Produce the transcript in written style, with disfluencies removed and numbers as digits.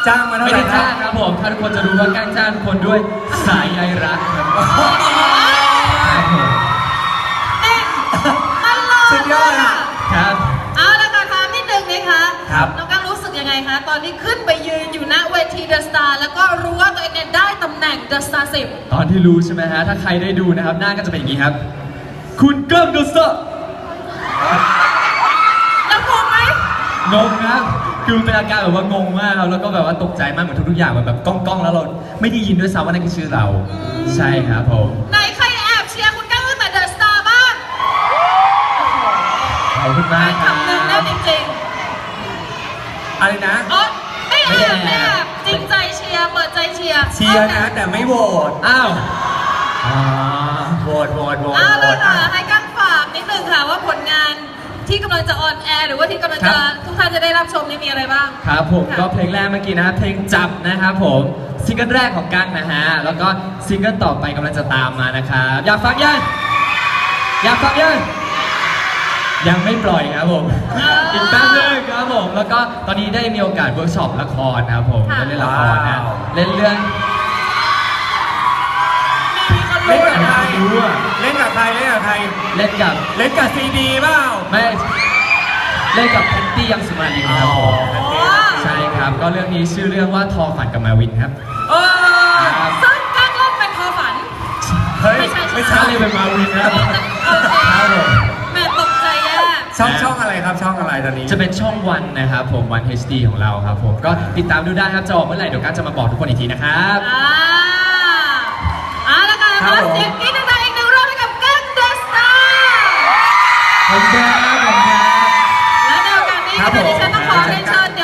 จ้างมาเท่าไม่ไหร่ได้ครัจ้าบงครับผมถ้าทุกคนจะรู้ว่าการจ้างทุกคนด้วยสายใยรักครับผมสุดยอดอ่ะครับเอาละค่ะถามนิดนึงนะคะครับน้องกังรู้สึกยังไงคะ ตอนที่ขึ้นไปยืนอยู่ณเวทีเดอะสตาร์แล้วก็รู้ว่าตัวเองเนี่ยได้ตำแหน่งเดอะสตาร์10 ตอนที่รู้ใช่ไหมฮะถ้าใครได้ดูนะครับหน้าก็จะเป็นอย่างนี้ครับคุณก้องดูสะแล้วงงไหมงงครับคือเป็นอาการแบบว่างงมากครับแล้วก็แบบว่าตกใจมากเหมือนทุกๆอย่างมันแบบก้องๆแล้วเราไม่ได้ยินด้วยซ้ำว่านั่นคือชื่อเราใช่ครับผมไหนใครแอบเชียร์คุณกังตั้งแต่เดอะสตาร์บ้างขอบคุณมากคครับำหนึ่งแน่จริงอะไรนะๆอ๋อไม่แอบไม่แอบจริงใจเชียร์เปิดใจเชียร์เชียร์นะแต่ไม่โหวตอ้าวอ๋อโหวตเอาเลยค่ะให้กังฝากนิดนึงค่ะว่าผลงานที่กำลังจะออนแอร์หรือว่าที่กำลังจะทุกท่านจะได้รับชมนี่มีอะไรบ้างครับผมค่ะก็เพลงแรกเมื่อกี้นะครับเพลงจับนะครับผมซิงเกิลแรกของกั้งนะฮะแล้วก็ซิงเกิลต่อไปกำลังจะตามมานะครับอยากฟังยังอยากฟังยังไม่ปล่อยครับผมอีกแป๊บนึงครับผมแล้วก็ตอนนี้ได้มีโอกาสเวิร์กช็อปละครนะครับผมได้เล่นละครนะเล่นเรื่องมีคนเล่นรู้กับใครรู้อะเล่นกับใครเล่นกับใครเล่นกับเล่นกับซีดีเปล่าไม่เล่นกับแพตตี้ยังสุมาลีครับผม ใช่ครับ ก็เรื่องนี้ชื่อเรื่องว่าทอฝันกับมาวินครับเออครับซึ่งกังเล่นเป็นทอฝันเฮ้ยไม่ใช่ไม่ถ้าใช่เล่นเป็นมาวินนะครับโอเคครับผมแม่ตกใจแย่ช่องอะไรครับช่องอะไรตอนนี้จะเป็นช่องวันนะครับผมวัน HD ของเราครับผมก็ติดตามดูได้ครับจะออกเมื่อไหร่เดี๋ยวก้าจะมาบอกทุกคนอีกทีนะครับแล้วกันขอเสียงกรี๊ดดังๆอีกหนึ่งรอบให้กับกังเดอะสตาร์ขอบคุณครับขอบคุณครับและในโอกาสนี้ครับผมดิฉันต้องขอเรียนเชิญ